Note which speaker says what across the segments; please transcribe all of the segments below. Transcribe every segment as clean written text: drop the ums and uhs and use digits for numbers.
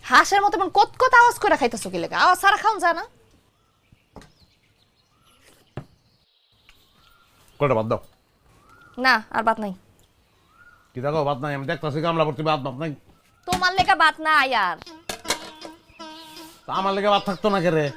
Speaker 1: হাঁসের মতো এমন কত কত আওয়াজ করে খাইতেছো কি লেগে? আওয়াজ সারা খাওন যায় না?
Speaker 2: কয়টা বাদ দাও।
Speaker 1: না আর ভাত নাই।
Speaker 2: কি দেখো ভাত নাই, আমি দেখতেছি গামলা ভর্তি ভাত নাই।
Speaker 1: তোমার লেগা ভাত না আর
Speaker 2: তা আমার লেগে ভাত থাকতো না কেরে?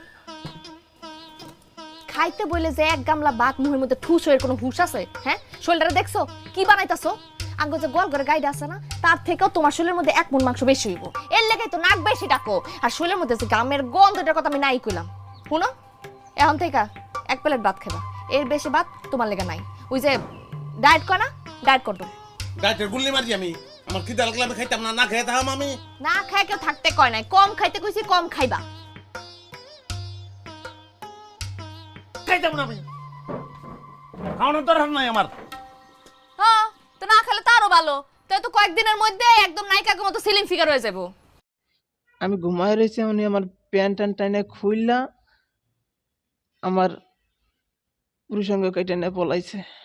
Speaker 1: খাইতে বলে যে এক গামলা ভাত মুহের মধ্যে ঠুস হয়ে কোনো হুশ আছে? হ্যাঁ, শরীরটা দেখছো কি বানাইতাছো? আঙ্গ যে গোল করে গাইডা আছে না, তার থেকেও তোমার শরীরের মধ্যে এক মন মাংস বেশি হইব। এর লেগাই তো নাক বেশি ডাকো। আর শরীরের মধ্যে যে গামের গন্ধটার কথা আমি নাই কইলাম। শুনো, এখন থেকে এক প্লেট ভাত খাবা, এর বেশি ভাত তোমার লেগা নাই। ওই যে ডায়েট কর না, ডায়েট করতো।
Speaker 2: ডাইটের গুল্লি মারি আমি, আমার খিদা লাগলে আমি খাইতাম না, না খেয়ে থাম আমি।
Speaker 1: না খায় কেউ থাকতে কয় নাই, কম খাইতে কইছি কম খাইবা।
Speaker 2: খাইতাম না আমি, খাওয়ানোর দরকার নাই আমার।
Speaker 1: হ্যাঁ, তো না খেলে তো আরো ভালো। তো তো কয়েকদিনের মধ্যে একদম নায়িকার মতো সিলিং ফিগার হয়ে যাবো।
Speaker 3: আমি ঘুমায় রয়েছি, উনি আমার প্যান্ট ট্যান্ট টাইনে খুললা আমার পুরুষাঙ্গ কেটে নিয়ে পলাইছে।